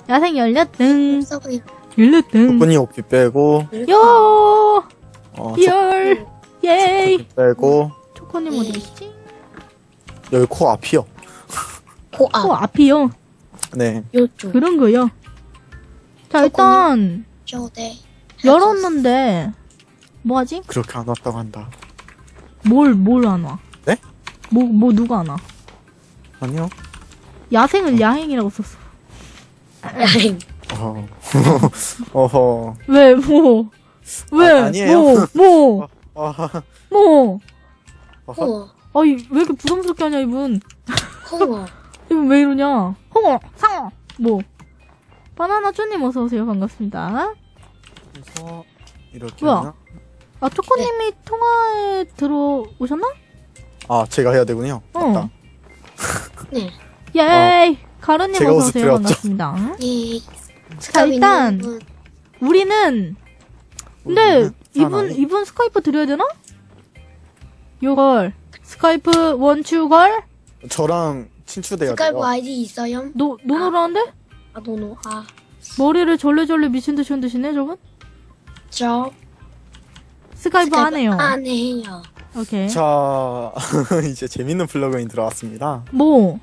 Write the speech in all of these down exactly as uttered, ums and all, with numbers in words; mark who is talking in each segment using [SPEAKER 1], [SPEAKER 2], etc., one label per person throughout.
[SPEAKER 1] 야생 열렸등.
[SPEAKER 2] 써보여.
[SPEAKER 1] 열렸등.
[SPEAKER 3] 초코님 오피 빼고
[SPEAKER 1] 요!
[SPEAKER 3] 어,
[SPEAKER 1] 열! 예이!
[SPEAKER 3] 초코님 빼고
[SPEAKER 1] 초코님 어디 계시지?
[SPEAKER 3] 여기 코 앞이요.
[SPEAKER 2] 코앞.
[SPEAKER 1] 코 앞이요.
[SPEAKER 3] 네.
[SPEAKER 2] 요쪽.
[SPEAKER 1] 그런 거요. 자, 일단,
[SPEAKER 2] 쇼대.
[SPEAKER 1] 열었는데, 뭐 하지?
[SPEAKER 3] 그렇게 안 왔다고 한다.
[SPEAKER 1] 뭘, 뭘 안 와?
[SPEAKER 3] 네?
[SPEAKER 1] 뭐, 뭐, 누가 안 와?
[SPEAKER 3] 아니요.
[SPEAKER 1] 야생을 야행이라고 썼어.
[SPEAKER 2] 야행.
[SPEAKER 3] 어. 어허.
[SPEAKER 1] 왜, 뭐, 왜,
[SPEAKER 3] 아, 아니에요.
[SPEAKER 1] 뭐, 뭐,
[SPEAKER 3] 아,
[SPEAKER 1] 뭐.
[SPEAKER 3] 어허.
[SPEAKER 2] 홍어.
[SPEAKER 1] 아이, 왜 이렇게 부담스럽게 하냐, 이분.
[SPEAKER 2] 홍어.
[SPEAKER 1] 이분 왜 이러냐? 홍어, 상어, 뭐. 바나나 쭈님 어서오세요. 반갑습니다.
[SPEAKER 3] 그래서 이렇게
[SPEAKER 1] 뭐야?
[SPEAKER 3] 하나?
[SPEAKER 1] 아, 초코님이 통화에 들어오셨나?
[SPEAKER 3] 아, 제가 해야 되군요.
[SPEAKER 1] 어.
[SPEAKER 3] 맞다.
[SPEAKER 2] 네.
[SPEAKER 1] 예이! 가루님
[SPEAKER 3] 제가 옷을
[SPEAKER 1] 어서오세요.
[SPEAKER 3] 드렸죠.
[SPEAKER 1] 반갑습니다.
[SPEAKER 2] 예.
[SPEAKER 1] 자, 일단,
[SPEAKER 2] 분.
[SPEAKER 1] 우리는, 근데,
[SPEAKER 3] 우리는
[SPEAKER 1] 이분,
[SPEAKER 3] 사나이?
[SPEAKER 1] 이분 스카이프 드려야 되나? 요걸. 스카이프 원추걸?
[SPEAKER 3] 저랑 친추돼야
[SPEAKER 2] 스카이프
[SPEAKER 3] 돼요.
[SPEAKER 2] 아이디 있어요?
[SPEAKER 1] 노, 노노라는데?
[SPEAKER 2] 아, 노노. 아,
[SPEAKER 1] 머리를 절레절레 미친듯이 흔드시네, 저분?
[SPEAKER 2] 저.
[SPEAKER 1] 스카이프 안 해요.
[SPEAKER 2] 안 해요.
[SPEAKER 1] 오케이.
[SPEAKER 3] 자, 이제 재밌는 플러그인 들어왔습니다.
[SPEAKER 1] 뭐?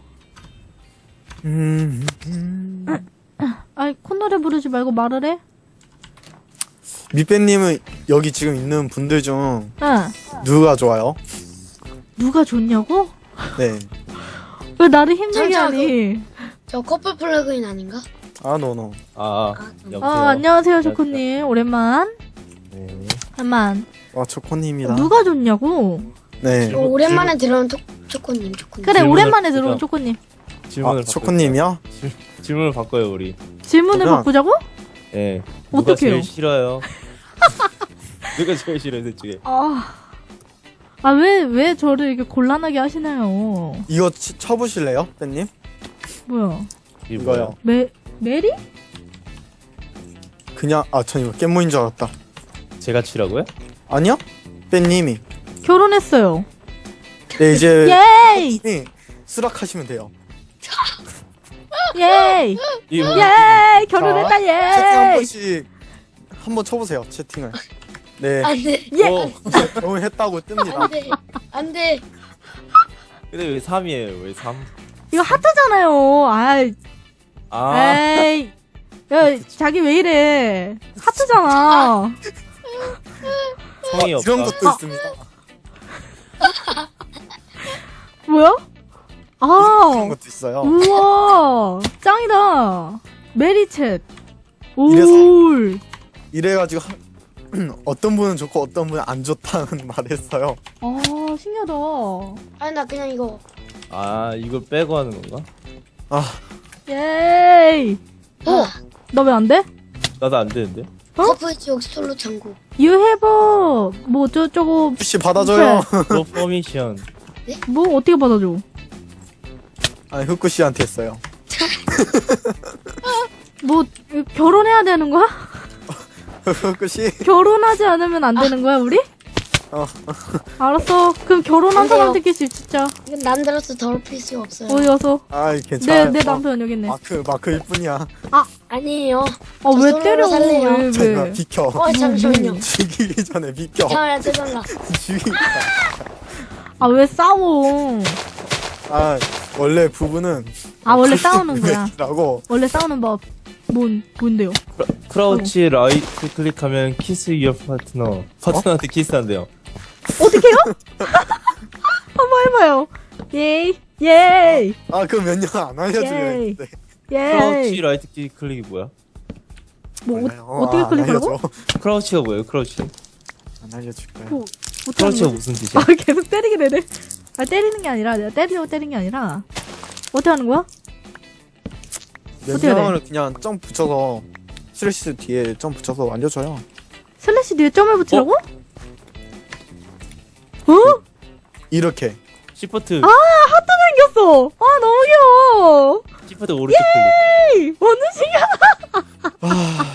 [SPEAKER 3] 음, 음.
[SPEAKER 1] 아이, 콧노래 부르지 말고 말을 해?
[SPEAKER 3] 밑배님은 여기 지금 있는 분들 중
[SPEAKER 1] 응.
[SPEAKER 3] 누가 좋아요?
[SPEAKER 1] 누가 좋냐고?
[SPEAKER 3] 네.
[SPEAKER 1] 왜 나를 힘들게
[SPEAKER 2] 잠시만,
[SPEAKER 1] 하니?
[SPEAKER 2] 저 커플 플러그인 아닌가?
[SPEAKER 3] 아, 노노.
[SPEAKER 4] 아,
[SPEAKER 2] 아,
[SPEAKER 4] 여보세요?
[SPEAKER 1] 아, 안녕하세요, 조코님. 오랜만.
[SPEAKER 4] 네.
[SPEAKER 1] 오랜만.
[SPEAKER 3] 와, 초코님이다.
[SPEAKER 1] 누가 좋냐고?
[SPEAKER 3] 네.
[SPEAKER 2] 저 오랜만에 들어온 초, 초코님, 초코님.
[SPEAKER 1] 그래,
[SPEAKER 4] 질문을
[SPEAKER 1] 오랜만에 들어온
[SPEAKER 4] 보자.
[SPEAKER 1] 조코님.
[SPEAKER 4] 질문을
[SPEAKER 3] 아, 초코님이요?
[SPEAKER 4] 질, 질문을 바꿔요 우리.
[SPEAKER 1] 질문을
[SPEAKER 3] 그냥-
[SPEAKER 1] 바꾸자고?
[SPEAKER 4] 예. 누가
[SPEAKER 1] 어떡해요?
[SPEAKER 4] 제일 싫어요? 누가 제일 싫어요, 둘 중에?
[SPEAKER 1] 아. 아, 왜, 왜 저를 이렇게 곤란하게 하시나요?
[SPEAKER 3] 이거 치, 쳐보실래요, 배님?
[SPEAKER 1] 뭐야?
[SPEAKER 4] 이게
[SPEAKER 3] 이거요.
[SPEAKER 4] 뭐야?
[SPEAKER 1] 메, 메리?
[SPEAKER 3] 그냥, 아, 전 이거 깻모인 줄 알았다.
[SPEAKER 4] 제가 치라고요?
[SPEAKER 3] 아니요? 배님이.
[SPEAKER 1] 결혼했어요.
[SPEAKER 3] 네, 이제
[SPEAKER 1] 예이!
[SPEAKER 3] 네, 수락하시면 돼요.
[SPEAKER 1] 예이!
[SPEAKER 4] 이게 뭐?
[SPEAKER 1] 예이! 결혼했다,
[SPEAKER 3] 채팅 한
[SPEAKER 1] 예이!
[SPEAKER 3] 번씩 한번 쳐보세요, 채팅을. 네,
[SPEAKER 2] 안 돼.
[SPEAKER 1] 예!
[SPEAKER 4] 어,
[SPEAKER 3] 결혼했다고 뜹니다.
[SPEAKER 2] 안 돼. 안 돼.
[SPEAKER 4] 근데 왜 삼이에요? 왜 삼?
[SPEAKER 1] 이거 하트잖아요. 아이,
[SPEAKER 4] 아,
[SPEAKER 1] 에이. 야, 자기 왜 이래. 하트잖아.
[SPEAKER 4] 성이 없다.
[SPEAKER 3] 이런 것도 있습니다.
[SPEAKER 1] 뭐야?
[SPEAKER 3] 이런
[SPEAKER 1] 아,
[SPEAKER 3] 것도 있어요.
[SPEAKER 1] 우와. 짱이다. 메리챗.
[SPEAKER 3] 이래서-
[SPEAKER 1] 올.
[SPEAKER 3] 이래가지고 한- 어떤 분은 좋고 어떤 분은 안 좋다는 말했어요.
[SPEAKER 1] 아, 신기하다.
[SPEAKER 2] 아니, 나 그냥 이거.
[SPEAKER 4] 아, 이걸 빼고 하는 건가?
[SPEAKER 3] 아,
[SPEAKER 1] 예이. 어?
[SPEAKER 2] 어.
[SPEAKER 1] 나 왜 안 돼?
[SPEAKER 4] 나도 안 되는데?
[SPEAKER 1] 어?
[SPEAKER 2] 커플 지옥 솔로 천국.
[SPEAKER 1] You have a, 뭐, 저저거,
[SPEAKER 3] 혹시 받아줘요.
[SPEAKER 4] No permission.
[SPEAKER 1] 뭐, 어떻게 받아줘?
[SPEAKER 3] 아니, 흑구 씨한테 했어요.
[SPEAKER 1] 뭐, 결혼해야 되는 거야?
[SPEAKER 3] 흑구 씨.
[SPEAKER 1] 결혼하지 않으면 안 되는 거야, 우리?
[SPEAKER 3] 어.
[SPEAKER 1] 알았어. 그럼 결혼한
[SPEAKER 2] 안 돼요.
[SPEAKER 1] 사람들끼리 진짜.
[SPEAKER 2] 이건 남들로서 더럽힐 수 없어요.
[SPEAKER 1] 어디 가서.
[SPEAKER 3] 아,
[SPEAKER 1] 내,
[SPEAKER 3] 괜찮아요.
[SPEAKER 1] 내 남편 여기 있네. 아,
[SPEAKER 3] 마크, 마크일 뿐이야.
[SPEAKER 2] 아니에요.
[SPEAKER 1] 아, 왜
[SPEAKER 2] 솔로로
[SPEAKER 1] 때려?
[SPEAKER 2] 살래요.
[SPEAKER 1] 왜,
[SPEAKER 3] 잠깐
[SPEAKER 1] 왜?
[SPEAKER 3] 비켜.
[SPEAKER 2] 어, 잠시만요.
[SPEAKER 3] 죽이기 전에 비켜.
[SPEAKER 2] 잠깐만, 잠깐만.
[SPEAKER 3] 죽이기.
[SPEAKER 1] 아, 왜 싸워?
[SPEAKER 3] 아, 원래 부부는
[SPEAKER 1] 아, 원래 싸우는 거야.
[SPEAKER 3] 라고.
[SPEAKER 1] 원래 싸우는 법. 뭔, 뭔데요?
[SPEAKER 4] 크라우치 라이트 클릭하면 키스 유어 파트너. 파트너한테 키스한대요.
[SPEAKER 1] 어떻게 해요? 한번 해봐요. 예이, 예이,
[SPEAKER 3] 아, 그럼 몇 년 안 알려주려
[SPEAKER 1] 예이.
[SPEAKER 3] 했는데.
[SPEAKER 4] 크라우치
[SPEAKER 1] 예이.
[SPEAKER 4] 라이트 키 클릭이 뭐야?
[SPEAKER 1] 뭐,
[SPEAKER 3] 몰라요.
[SPEAKER 1] 어, 어떻게
[SPEAKER 3] 안
[SPEAKER 1] 클릭하라고?
[SPEAKER 3] 알려줘.
[SPEAKER 4] 크라우치가 뭐예요? 크라우치?
[SPEAKER 3] 안 알려줄 거야.
[SPEAKER 1] 뭐, 어떻게 하는
[SPEAKER 4] 크라우치가
[SPEAKER 1] 거야?
[SPEAKER 4] 무슨 뜻이야?
[SPEAKER 1] 아, 계속 때리게 되네. 아, 때리는 게 아니라, 내가 때리려고 때린 게 아니라. 어떻게 하는 거야?
[SPEAKER 3] 몇
[SPEAKER 1] 어떻게
[SPEAKER 3] 년을 그냥 점 붙여서 슬래시 뒤에 점 붙여서 알려줘요.
[SPEAKER 1] 슬래시 뒤에 점을 붙이라고? 어?
[SPEAKER 3] 이렇게.
[SPEAKER 4] 시프트,
[SPEAKER 1] 아, 하트 생겼어. 아, 너무 귀여워.
[SPEAKER 4] 시프트 오른쪽 클릭.
[SPEAKER 1] 에이, 완전 신기하다.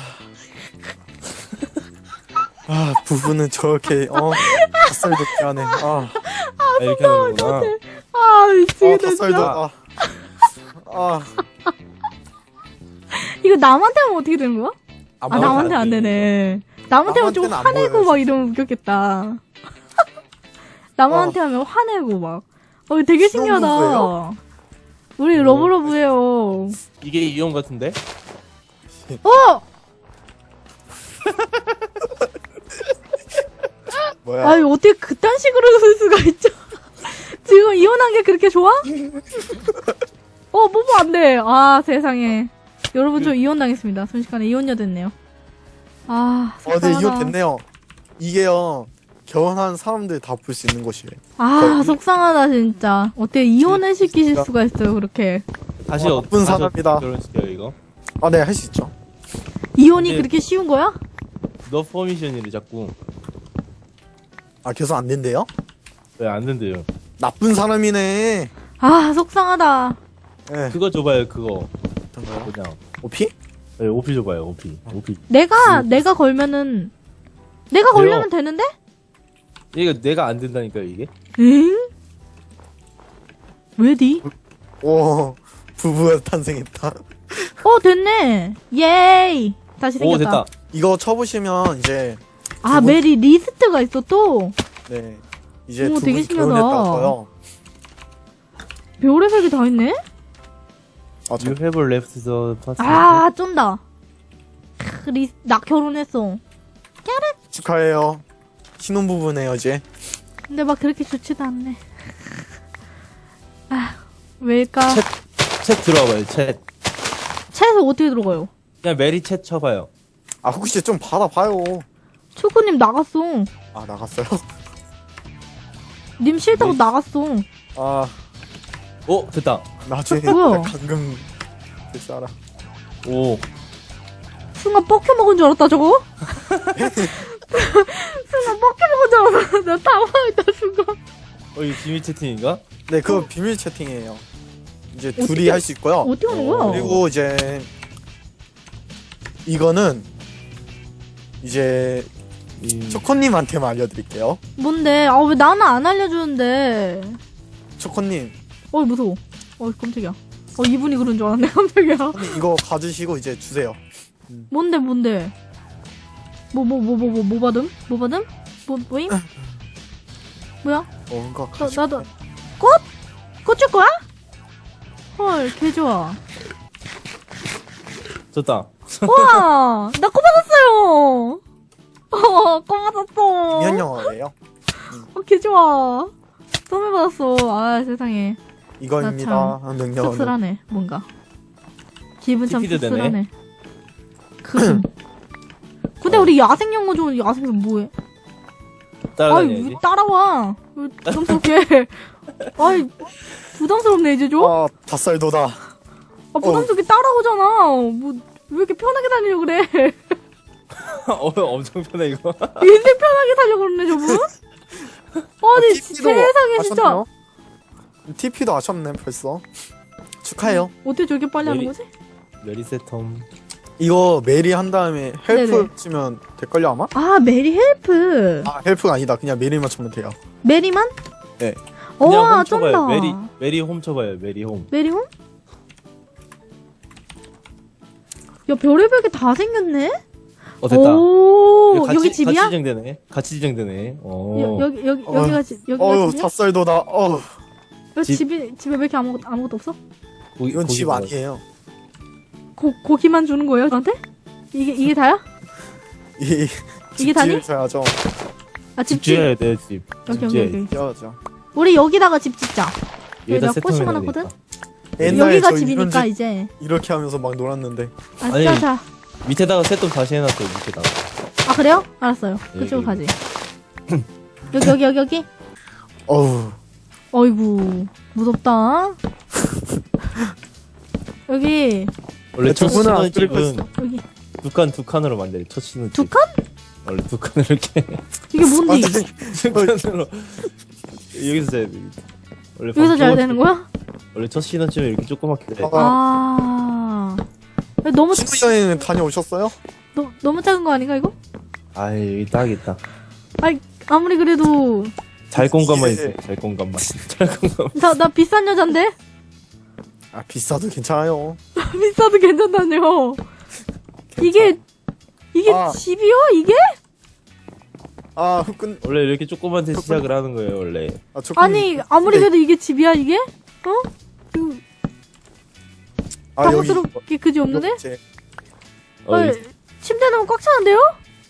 [SPEAKER 3] 아, 부부는 저렇게, 어, 닭살 돋게 하네. 아,
[SPEAKER 4] 아, 이렇게 하는구나.
[SPEAKER 1] 아,
[SPEAKER 3] 아,
[SPEAKER 1] 미치겠다,
[SPEAKER 3] 닭살 돋,
[SPEAKER 1] 진짜.
[SPEAKER 3] 아. 아,
[SPEAKER 1] 이거 이거 남한테 하면 어떻게 되는 거야? 아,
[SPEAKER 3] 뭐,
[SPEAKER 1] 남한테 안 되네. 남한테 하면 좀
[SPEAKER 3] 남한테는 안
[SPEAKER 1] 화내고
[SPEAKER 3] 보여요,
[SPEAKER 1] 막 이러면 웃겼겠다. 남한테 하면 화내고 막. 어, 되게 신기하다.
[SPEAKER 3] 신혼부부예요?
[SPEAKER 1] 우리 러브러브해요.
[SPEAKER 4] 이게 이용 같은데?
[SPEAKER 1] 어!
[SPEAKER 3] 뭐야?
[SPEAKER 1] 아니, 어떻게 그딴 식으로 쓸 수가 있죠? 지금 이혼한 게 그렇게 좋아? 어, 뽀뽀 안 돼. 아, 세상에. 여러분, 저 이혼 당했습니다. 순식간에 이혼녀 됐네요. 아,
[SPEAKER 3] 어, 네,
[SPEAKER 1] 속상하다.
[SPEAKER 3] 이거 됐네요. 이게요, 결혼한 사람들 다 볼 수 있는 곳이에요.
[SPEAKER 1] 아, 속상하다, 진짜. 어떻게 이혼을 시키실
[SPEAKER 3] 진짜.
[SPEAKER 1] 수가 있어요, 그렇게.
[SPEAKER 4] 다시
[SPEAKER 3] 어,
[SPEAKER 4] 어,
[SPEAKER 3] 나쁜
[SPEAKER 4] 다시
[SPEAKER 3] 사람이다.
[SPEAKER 4] 어떻게 결혼시켜요 이거?
[SPEAKER 3] 아, 네, 할 수 있죠.
[SPEAKER 1] 이혼이
[SPEAKER 4] 근데-
[SPEAKER 1] 그렇게 쉬운 거야?
[SPEAKER 4] 너 퍼미션이래 자꾸.
[SPEAKER 3] 아, 계속 안 된대요?
[SPEAKER 4] 왜 안 된대요?
[SPEAKER 3] 나쁜 사람이네.
[SPEAKER 1] 아, 속상하다.
[SPEAKER 3] 네.
[SPEAKER 4] 그거 줘봐요 그거.
[SPEAKER 3] 어떤가요?
[SPEAKER 4] 그냥.
[SPEAKER 3] 오피?
[SPEAKER 4] 네, 오피 줘봐요 오피. 오피.
[SPEAKER 1] 내가, 내가 걸면은, 내가 걸려면 되는데?
[SPEAKER 4] 이거 내가 안 된다니까 이게?
[SPEAKER 1] 응? 왜디?
[SPEAKER 3] 오, 부부가 탄생했다.
[SPEAKER 1] 어, 됐네. 예이. 다시
[SPEAKER 4] 오
[SPEAKER 1] 생겼다.
[SPEAKER 4] 됐다.
[SPEAKER 3] 이거 쳐보시면 이제,
[SPEAKER 1] 아,
[SPEAKER 3] 두 분-
[SPEAKER 1] 메리 리스트가 있어, 또.
[SPEAKER 3] 네. 이제
[SPEAKER 1] 오,
[SPEAKER 3] 두
[SPEAKER 1] 되게
[SPEAKER 3] 분이
[SPEAKER 1] 신기하다.
[SPEAKER 3] 결혼했다고요.
[SPEAKER 1] 별의 색이 다 있네?
[SPEAKER 3] 아, 저,
[SPEAKER 4] You have left the party.
[SPEAKER 1] 아, 쫀다. 크, 리, 나 결혼했어.
[SPEAKER 3] 축하해요. 신혼부부네요, 이제.
[SPEAKER 1] 근데 막 그렇게 좋지도 않네. 아, 왜일까?
[SPEAKER 4] 챗, 챗 들어와봐요 챗.
[SPEAKER 1] 차에서 어떻게 들어가요?
[SPEAKER 4] 그냥 메리 챗 쳐봐요.
[SPEAKER 3] 아, 혹시 좀 받아봐요.
[SPEAKER 1] 초코님 나갔어.
[SPEAKER 3] 아, 나갔어요?
[SPEAKER 1] 님 싫다고
[SPEAKER 4] 네.
[SPEAKER 1] 나갔어.
[SPEAKER 3] 아,
[SPEAKER 4] 오 됐다.
[SPEAKER 3] 나중에
[SPEAKER 1] 뭐야?
[SPEAKER 3] 감금 될 줄 알아.
[SPEAKER 4] 오.
[SPEAKER 1] 순간 뻑혀 먹은 줄 알았다, 저거? 순간 뻑혀 먹은 줄 알았어. 나 당황했다, 순간.
[SPEAKER 4] 어 이거 비밀 채팅인가?
[SPEAKER 3] 네, 그거 비밀 채팅이에요. 이제
[SPEAKER 1] 어떻게-
[SPEAKER 3] 둘이 할 수 있고요.
[SPEAKER 1] 어떻게 하는 거야?
[SPEAKER 3] 그리고 이제 이거는 이제
[SPEAKER 4] 이...
[SPEAKER 3] 초코님한테만 알려드릴게요.
[SPEAKER 1] 뭔데? 아, 왜 나는 안 알려주는데?
[SPEAKER 3] 초코님,
[SPEAKER 1] 어이, 무서워. 어이, 깜짝이야. 어, 이분이 그런 줄 알았네, 깜짝이야.
[SPEAKER 3] 초코님 이거 가지시고 이제 주세요.
[SPEAKER 1] 뭔데, 뭔데? 뭐, 뭐, 뭐, 뭐, 뭐, 뭐 받음? 뭐 받음? 뭐, 뭐임? 뭐야?
[SPEAKER 3] 어, 이거
[SPEAKER 1] 나,
[SPEAKER 3] 가지고.
[SPEAKER 1] 나도, 꽃? 꽃 줄 거야? 헐, 개 좋아.
[SPEAKER 4] 좋다.
[SPEAKER 1] 우와! 나 꽃 받았어요! 어, 꽃 받았어.
[SPEAKER 3] 미연 영화예요.
[SPEAKER 1] 어, 개 좋아. 선물 받았어. 아, 세상에.
[SPEAKER 3] 이거입니다. 능력은.
[SPEAKER 1] 씁쓸하네, 뭔가. 기분 참
[SPEAKER 4] 티피도 되네.
[SPEAKER 1] 씁쓸하네. 그. 근데 우리 야생 연구 좀 야생에서 뭐해? 아이,
[SPEAKER 4] 따라다녀야지.
[SPEAKER 1] 왜 따라와? 왜 부담스럽게? 아이, 부담스럽네, 이제 좀?
[SPEAKER 3] 아, 닷살도다.
[SPEAKER 1] 아, 부담스럽게 따라오잖아. 뭐, 왜 이렇게 편하게 다니려고 그래?
[SPEAKER 4] 어 엄청 편해 이거.
[SPEAKER 1] 인생 편하게 살려고 그러네, 저분? 아니, 세상에, 진짜.
[SPEAKER 3] 티피도 아셨네, 벌써. 축하해요.
[SPEAKER 1] 어떻게 저렇게 빨리 하는
[SPEAKER 4] 메리-
[SPEAKER 1] 거지?
[SPEAKER 4] 메리 세텀.
[SPEAKER 3] 이거 메리 한 다음에 헬프
[SPEAKER 1] 네네.
[SPEAKER 3] 치면 될걸요, 아마?
[SPEAKER 1] 아, 메리 헬프.
[SPEAKER 3] 아, 헬프가 아니다. 그냥 메리만 치면 돼요.
[SPEAKER 1] 메리만?
[SPEAKER 3] 네.
[SPEAKER 4] 그냥
[SPEAKER 1] 우와,
[SPEAKER 4] 홈 쳐봐요.
[SPEAKER 1] 쩐다.
[SPEAKER 4] 메리 메리 홈 쳐봐요. 메리 홈.
[SPEAKER 1] 메리홈? 야, 별의별 게 다 생겼네?
[SPEAKER 4] 어 됐다.
[SPEAKER 1] 오,
[SPEAKER 4] 이거 같이,
[SPEAKER 1] 여기 집이야?
[SPEAKER 4] 같이 지정되네. 같이 지정되네. 어.
[SPEAKER 1] 여, 여기, 여기,
[SPEAKER 3] 어.
[SPEAKER 1] 여기가 집, 여기가
[SPEAKER 3] 어휴,
[SPEAKER 1] 집이야?
[SPEAKER 3] 닷살도다. 어휴,
[SPEAKER 1] 여기
[SPEAKER 4] 집-
[SPEAKER 1] 집이, 집에 왜 이렇게 아무것도, 아무것도 없어?
[SPEAKER 4] 고기,
[SPEAKER 3] 이건
[SPEAKER 4] 고기
[SPEAKER 3] 집
[SPEAKER 4] 먹어요.
[SPEAKER 3] 아니에요.
[SPEAKER 1] 고, 고기만 주는 거예요, 저한테? 이게, 이게 다야?
[SPEAKER 3] 이
[SPEAKER 1] 이게 다니?
[SPEAKER 3] 줘야죠.
[SPEAKER 1] 아,
[SPEAKER 4] 집
[SPEAKER 1] 집집.
[SPEAKER 4] 지어야 돼 집.
[SPEAKER 1] 여기,
[SPEAKER 4] 집
[SPEAKER 1] 여기,
[SPEAKER 4] 지어야지.
[SPEAKER 1] 여기.
[SPEAKER 3] 줘야죠.
[SPEAKER 1] 우리 여기다가 집 짓자.
[SPEAKER 4] 여기다
[SPEAKER 1] 여기다 꽃이
[SPEAKER 4] 세텀해놔야
[SPEAKER 1] 많았거든?
[SPEAKER 4] 되겠다.
[SPEAKER 3] 옛날에
[SPEAKER 1] 여기가
[SPEAKER 3] 저
[SPEAKER 1] 집이니까,
[SPEAKER 3] 이런 집
[SPEAKER 1] 이제.
[SPEAKER 3] 이렇게 하면서 막 놀았는데.
[SPEAKER 1] 아,
[SPEAKER 4] 아니.
[SPEAKER 1] 자, 자.
[SPEAKER 4] 밑에다가 세텀 다시 해놨어요. 밑에다가.
[SPEAKER 1] 아, 그래요? 알았어요. 그쪽으로
[SPEAKER 4] 여기.
[SPEAKER 1] 가지. 여기, 여기, 여기, 여기.
[SPEAKER 3] 어우,
[SPEAKER 1] 어이구, 무섭다. 여기,
[SPEAKER 4] 원래 첫
[SPEAKER 3] 두 분은 안
[SPEAKER 4] 신혼 집은
[SPEAKER 3] 그리고
[SPEAKER 1] 여기.
[SPEAKER 4] 두 칸 두 칸으로 만들어. 첫 신혼 집.
[SPEAKER 1] 두 칸?
[SPEAKER 4] 원래 두 칸을 이렇게
[SPEAKER 1] 이게 뭔데?
[SPEAKER 3] 아니,
[SPEAKER 4] 두 칸으로 여기서 자야 돼. 원래
[SPEAKER 1] 여기서 자야
[SPEAKER 4] 방송을
[SPEAKER 1] 되는 거야?
[SPEAKER 4] 원래 첫 신혼집은 이렇게 조그맣게 돼.
[SPEAKER 3] 아,
[SPEAKER 1] 아. 너무,
[SPEAKER 3] 신혼여행 다녀오셨어요?
[SPEAKER 1] 너, 너무 작은 거 아닌가, 이거?
[SPEAKER 4] 아 여기 딱 있다.
[SPEAKER 1] 아이, 아무리 그래도,
[SPEAKER 4] 잘 공간만
[SPEAKER 3] 이게-
[SPEAKER 4] 있어. 잘 공간만. 잘 공간.
[SPEAKER 1] 나, 나 비싼 여잔데?
[SPEAKER 3] 아, 비싸도 괜찮아요.
[SPEAKER 1] 비싸도 괜찮다뇨. 이게 이게
[SPEAKER 3] 아.
[SPEAKER 1] 집이요? 이게?
[SPEAKER 3] 아 흑근
[SPEAKER 4] 원래 이렇게 조그만데 시작을 하는 거예요 원래.
[SPEAKER 3] 아, 조금-
[SPEAKER 1] 아니 아무리
[SPEAKER 3] 네.
[SPEAKER 1] 그래도 이게 집이야 이게? 어? 그
[SPEAKER 3] 아 여기
[SPEAKER 1] 당황스럽게 그지 없는데?
[SPEAKER 3] 제-
[SPEAKER 4] 어,
[SPEAKER 1] 아,
[SPEAKER 4] 이-
[SPEAKER 1] 침대 너무 꽉 차는데요?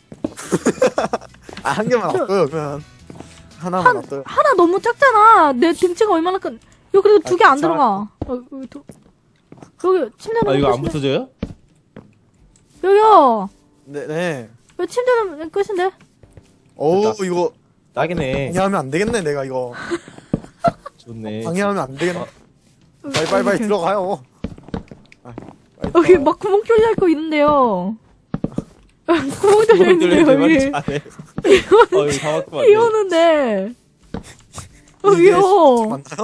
[SPEAKER 3] 아, 한 개만
[SPEAKER 1] 저-
[SPEAKER 3] 놔둬요 그러면 하나만
[SPEAKER 1] 한
[SPEAKER 3] 놔둬요.
[SPEAKER 1] 하나 너무 작잖아. 내 등치가 얼마나 큰? 여기 그래도 두 개 안
[SPEAKER 3] 아,
[SPEAKER 1] 들어가. 어, 여기, 도, 여기 침대
[SPEAKER 4] 아
[SPEAKER 1] 너무
[SPEAKER 4] 이거 안
[SPEAKER 1] 끝인데?
[SPEAKER 4] 붙어져요?
[SPEAKER 1] 여기요.
[SPEAKER 3] 네네.
[SPEAKER 1] 여기 침대는 끝인데?
[SPEAKER 3] 어우
[SPEAKER 4] 됐다.
[SPEAKER 3] 이거
[SPEAKER 4] 딱이네.
[SPEAKER 3] 방해하면 안 되겠네 내가 이거.
[SPEAKER 4] 좋네.
[SPEAKER 3] 방해하면 안 되겠네.
[SPEAKER 4] 어.
[SPEAKER 3] 빨리 빨리 빨리
[SPEAKER 1] 이렇게.
[SPEAKER 3] 들어가요. 아, 빨리
[SPEAKER 1] 여기
[SPEAKER 3] 들어가요.
[SPEAKER 1] 막 구멍 뚫려 있고 있는데요. 구멍 뚫려 있는데요 여기.
[SPEAKER 4] 어 여기 다 막히면 안
[SPEAKER 1] 비
[SPEAKER 4] 돼.
[SPEAKER 1] 오는데.
[SPEAKER 3] 이게
[SPEAKER 1] 여기요.
[SPEAKER 3] 맞나요?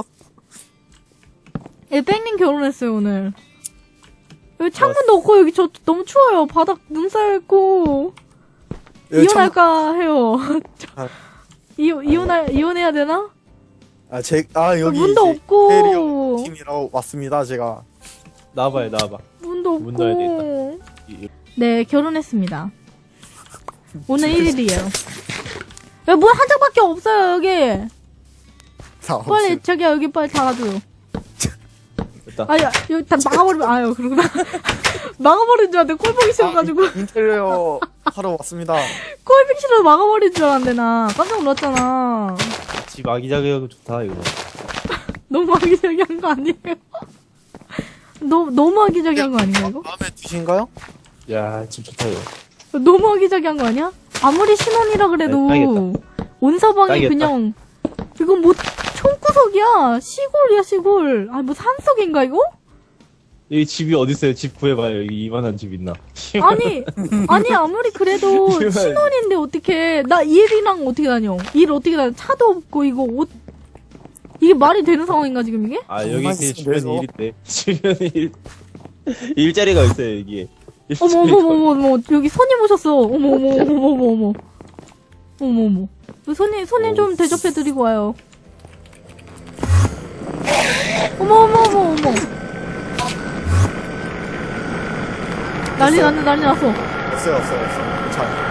[SPEAKER 1] 예, 뺑님 결혼했어요 오늘. 여기 창문도 없고 여기 저 너무 추워요. 바닥 눈 쌓여있고.
[SPEAKER 3] 여기 참-
[SPEAKER 1] 이혼할까 해요.
[SPEAKER 3] 아.
[SPEAKER 1] 이, 이혼할, 이혼해야 되나?
[SPEAKER 3] 아, 제, 아, 여기
[SPEAKER 1] 문도
[SPEAKER 3] 이제
[SPEAKER 1] 없고.
[SPEAKER 3] 캐리어 팀이라고 왔습니다, 제가.
[SPEAKER 4] 나와봐요 나와봐.
[SPEAKER 1] 문도
[SPEAKER 4] 문 넣어야
[SPEAKER 1] 없고.
[SPEAKER 4] 이-
[SPEAKER 1] 네, 결혼했습니다. 오늘 일 일이에요. 야, 문 한 장밖에 없어요, 여기.
[SPEAKER 3] 다
[SPEAKER 1] 빨리,
[SPEAKER 3] 없어요.
[SPEAKER 1] 자기야, 여기 빨리 닫아줘요.
[SPEAKER 4] 됐다.
[SPEAKER 1] 아, 야, 여기 다 막아버리면, 아유, 그러구나. 막아버린 줄 알았는데, 꼴보기 싫어가지고.
[SPEAKER 3] 인테리어 하러 왔습니다.
[SPEAKER 1] 꼴보기 싫어서 막아버린 줄 알았는데, 나. 깜짝 놀랐잖아.
[SPEAKER 4] 집 아기자기하고 좋다 이거.
[SPEAKER 1] 너무 아기자기한 거 아니에요? 너무, 너무 아기자기한 거 아닌가, 이거?
[SPEAKER 3] 마음에 드신가요?
[SPEAKER 4] 야집 좋다 이거.
[SPEAKER 1] 너무 아기자기한 거 아니야? 아무리 신혼이라 그래도
[SPEAKER 4] 네, 딱이겠다.
[SPEAKER 1] 온 서방이
[SPEAKER 4] 딱이겠다.
[SPEAKER 1] 그냥 이건 뭐 총구석이야 시골이야 시골 아니 뭐 산속인가 이거?
[SPEAKER 4] 여기 집이 어디 있어요? 집 구해봐요. 여기 이만한 집 있나?
[SPEAKER 1] 아니 아니 아무리 그래도
[SPEAKER 4] 이만-
[SPEAKER 1] 신혼인데 어떻게 나 일이랑 어떻게 다녀 일 어떻게 다녀 차도 없고 이거 옷 이게 말이 되는 상황인가 지금 이게?
[SPEAKER 4] 아 여기
[SPEAKER 3] 정말
[SPEAKER 4] 그
[SPEAKER 3] 집에서?
[SPEAKER 4] 주변에 일 있대. 주변에 일 일자리가 있어요 여기.
[SPEAKER 1] 어머 어머 어머 어머 여기 손님 오셨어 어머 어머 어머 어머 어머 어머 어머 어머 손님 손님 좀 대접해 드리고 와요. 어머 어머 어머 어머 난리 났네 난리 났어.
[SPEAKER 3] 없어요, 없어요, 없어요. 괜찮아요.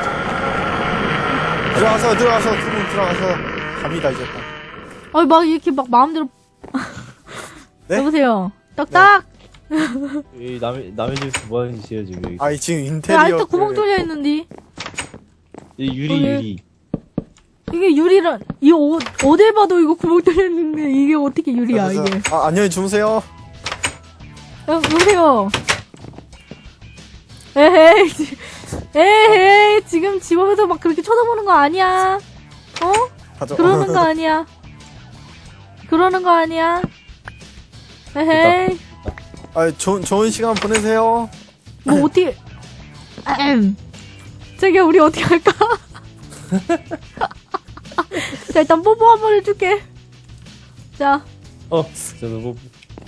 [SPEAKER 3] 들어가서, 들어가서, 두 분 들어가서 갑니다, 이제.
[SPEAKER 1] 아니 막 이렇게 막 마음대로
[SPEAKER 3] 네?
[SPEAKER 1] 여보세요 딱딱
[SPEAKER 4] 이 남의 남의 집에서 뭐 하는 짓이에요 지금 여기.
[SPEAKER 3] 아니, 지금
[SPEAKER 1] 야,
[SPEAKER 3] 인테리어.
[SPEAKER 1] 아직도 구멍 뚫려 있는데
[SPEAKER 4] 이 유리
[SPEAKER 1] 어, 예.
[SPEAKER 4] 유리.
[SPEAKER 1] 이게 유리랑 이 옷 어딜 봐도 이거 구멍 뚫려 있는데 이게 어떻게 유리야
[SPEAKER 3] 그래서-
[SPEAKER 1] 이게?
[SPEAKER 3] 아, 안녕히 주무세요.
[SPEAKER 1] 야, 여보세요. 에헤이, 지- 에헤이, 지금 집 앞에서 막 그렇게 쳐다보는 거 아니야. 어?
[SPEAKER 3] 가죠.
[SPEAKER 1] 그러는 거 아니야. 그러는 거 아니야. 에헤이,
[SPEAKER 3] 아, 좋은, 좋은 시간 보내세요.
[SPEAKER 1] 뭐 어떻게, 아흠. 자기야, 우리 어떻게 할까? 자, 일단 뽀뽀 한 번 해줄게. 자,
[SPEAKER 4] 어 저도 뭐.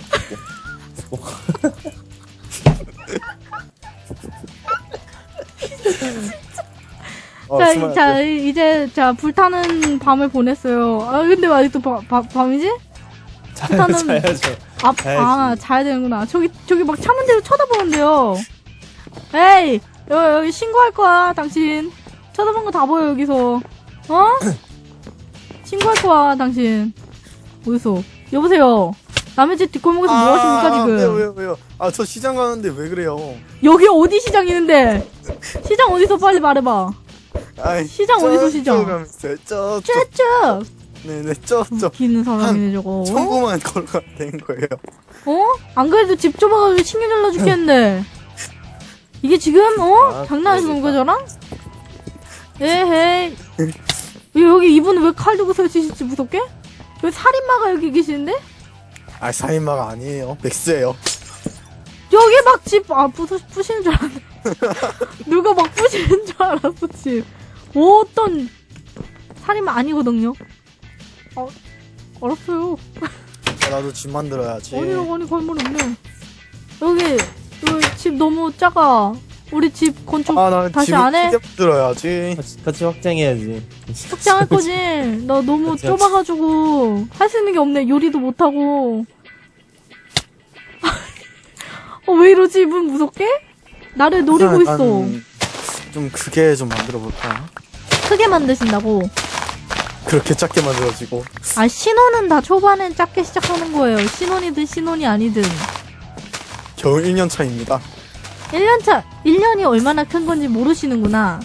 [SPEAKER 3] 어,
[SPEAKER 1] 자,
[SPEAKER 3] 수고하셨어요.
[SPEAKER 1] 자, 이제, 자, 불타는 밤을 보냈어요. 아, 근데 왜 아직도 바, 바, 밤이지?
[SPEAKER 4] 자야죠.
[SPEAKER 1] 일단은-
[SPEAKER 4] 자야죠.
[SPEAKER 1] 아,
[SPEAKER 4] 자야지.
[SPEAKER 1] 아, 자야 되는구나. 저기, 저기 막 창문대로 쳐다보는데요. 에이! 여기, 여기 신고할 거야, 당신. 쳐다본 거 다 보여, 여기서. 어? 신고할 거야, 당신. 어디서? 여보세요. 남의 집 뒷골목에서 뭐 하십니까, 지금?
[SPEAKER 3] 왜요, 왜요, 왜요? 아, 저 시장 가는데 왜 그래요?
[SPEAKER 1] 여기 어디 시장 있는데? 시장 어디서 빨리 말해봐.
[SPEAKER 3] 아이,
[SPEAKER 1] 시장 어디서 시장?
[SPEAKER 3] 저쪽 가면 있어요. 저쪽.
[SPEAKER 1] 쭈쭈!
[SPEAKER 3] 네네, 저쪽.
[SPEAKER 1] 웃기는 사람이네, 저거. 어?
[SPEAKER 3] 청구만 걸어가면 되는 거예요.
[SPEAKER 1] 어? 안 그래도 집 좁아가지고 신경 잘라 죽겠는데. 이게 지금, 어?
[SPEAKER 4] 아,
[SPEAKER 1] 장난해서 놓은
[SPEAKER 4] 그러겠다.
[SPEAKER 1] 거잖아? 에헤이. 왜 여기 이분은 왜 칼 들고 설치실지 무섭게? 왜 살인마가 여기 계시는데?
[SPEAKER 3] 아, 살인마가 아니에요. 맥스예요.
[SPEAKER 1] 여기 막 집, 아, 부수, 부시는 줄 알았네. 누가 막 부시는 줄 알았어, 집. 어떤, 살인마 아니거든요. 어, 알았어요.
[SPEAKER 3] 아, 나도 집 만들어야지.
[SPEAKER 1] 아니라고 하니 갈말 없네. 여기, 여기 집 너무 작아. 우리 집 건축
[SPEAKER 3] 아, 나
[SPEAKER 1] 다시
[SPEAKER 3] 집을
[SPEAKER 1] 안 해?
[SPEAKER 3] 크게 만들어야지.
[SPEAKER 4] 같이, 같이 확장해야지.
[SPEAKER 1] 확장할 거지. 나 너무
[SPEAKER 4] 같이
[SPEAKER 1] 좁아가지고 할 수 있는 게 없네. 요리도 못하고. 어, 왜 이러지? 이분 무섭게? 나를 노리고
[SPEAKER 3] 아,
[SPEAKER 1] 있어.
[SPEAKER 3] 난 좀 크게 좀 만들어 볼까?
[SPEAKER 1] 크게 만드신다고.
[SPEAKER 3] 그렇게 작게 만들어지고.
[SPEAKER 1] 아, 신혼은 다 초반엔 작게 시작하는 거예요. 신혼이든 신혼이 아니든.
[SPEAKER 3] 겨우 일 년 차입니다.
[SPEAKER 1] 일 년 차, 일 년이 얼마나 큰 건지 모르시는구나.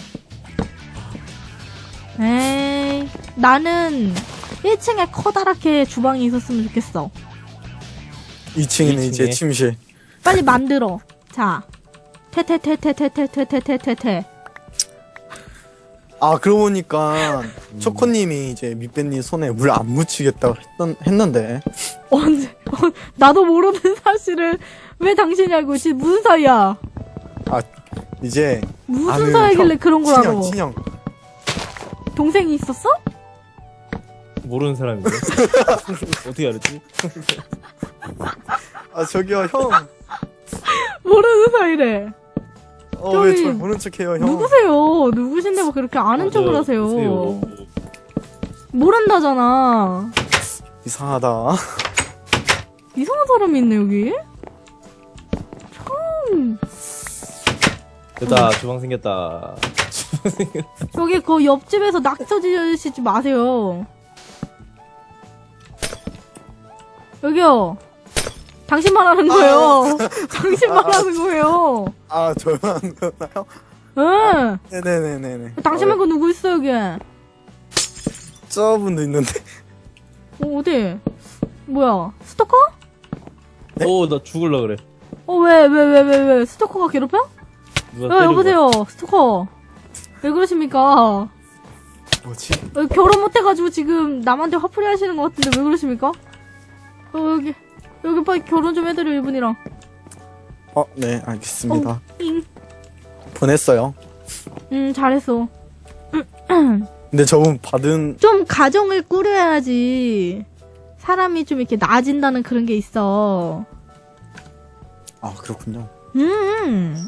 [SPEAKER 1] 에이, 나는 일 층에 커다랗게 주방이 있었으면 좋겠어.
[SPEAKER 3] 이 층에는 이제
[SPEAKER 4] 이 층에?
[SPEAKER 3] 침실.
[SPEAKER 1] 빨리 만들어. 자. 테테테테테테테테테테.
[SPEAKER 3] 아 그러고 보니까 초코님이 이제 밑배님 손에 물 안 묻히겠다고 했던, 했는데
[SPEAKER 1] 언제, 어, 나도 모르는 사실을 왜 당신이 알고 있지? 무슨 사이야?
[SPEAKER 3] 아 이제
[SPEAKER 1] 무슨
[SPEAKER 3] 아는
[SPEAKER 1] 사이길래
[SPEAKER 3] 형,
[SPEAKER 1] 그런 걸 알아?
[SPEAKER 3] 친형 친형.
[SPEAKER 1] 동생이 있었어?
[SPEAKER 4] 모르는 사람인데. 어떻게 알았지?
[SPEAKER 3] 아 저기요 형.
[SPEAKER 1] 모르는 사이래.
[SPEAKER 3] 어 왜
[SPEAKER 1] 저기,
[SPEAKER 3] 저 모른 척해요 형?
[SPEAKER 1] 누구세요? 누구신데 뭐 그렇게 아는 척을
[SPEAKER 4] 맞아요.
[SPEAKER 1] 하세요?
[SPEAKER 4] 보세요.
[SPEAKER 1] 모른다잖아.
[SPEAKER 3] 이상하다.
[SPEAKER 1] 이상한 사람이 있네, 여기. 참.
[SPEAKER 4] 됐다, 주방 생겼다.
[SPEAKER 1] 여기 그 옆집에서 낙서 지으시지 마세요. 여기요. 당신 말하는 거예요. 당신 말하는 거예요.
[SPEAKER 3] 아 저만 한 거나요?
[SPEAKER 1] 응.
[SPEAKER 3] 네네네네네.
[SPEAKER 1] 당신 말고 누구 있어, 여기? 어,
[SPEAKER 3] 저분도 있는데.
[SPEAKER 1] 어디? 뭐야? 스토커?
[SPEAKER 3] 네?
[SPEAKER 4] 오, 나 죽을라 그래.
[SPEAKER 1] 어, 왜, 왜, 왜, 왜, 왜? 스토커가 괴롭혀?
[SPEAKER 4] 누가
[SPEAKER 1] 야,
[SPEAKER 4] 때리고
[SPEAKER 1] 여보세요. 스토커. 왜 그러십니까?
[SPEAKER 3] 뭐지?
[SPEAKER 1] 어, 결혼 못해가지고 지금 남한테 화풀이 하시는 것 같은데 왜 그러십니까? 어, 여기. 여기 빨리 결혼 좀 해드려, 이분이랑.
[SPEAKER 3] 어 네 알겠습니다.
[SPEAKER 1] 어, 잉.
[SPEAKER 3] 보냈어요.
[SPEAKER 1] 음, 잘했어.
[SPEAKER 3] 근데 저분 받은
[SPEAKER 1] 좀 가정을 꾸려야지 사람이 좀 이렇게 나아진다는 그런 게 있어.
[SPEAKER 3] 아 그렇군요.
[SPEAKER 1] 음.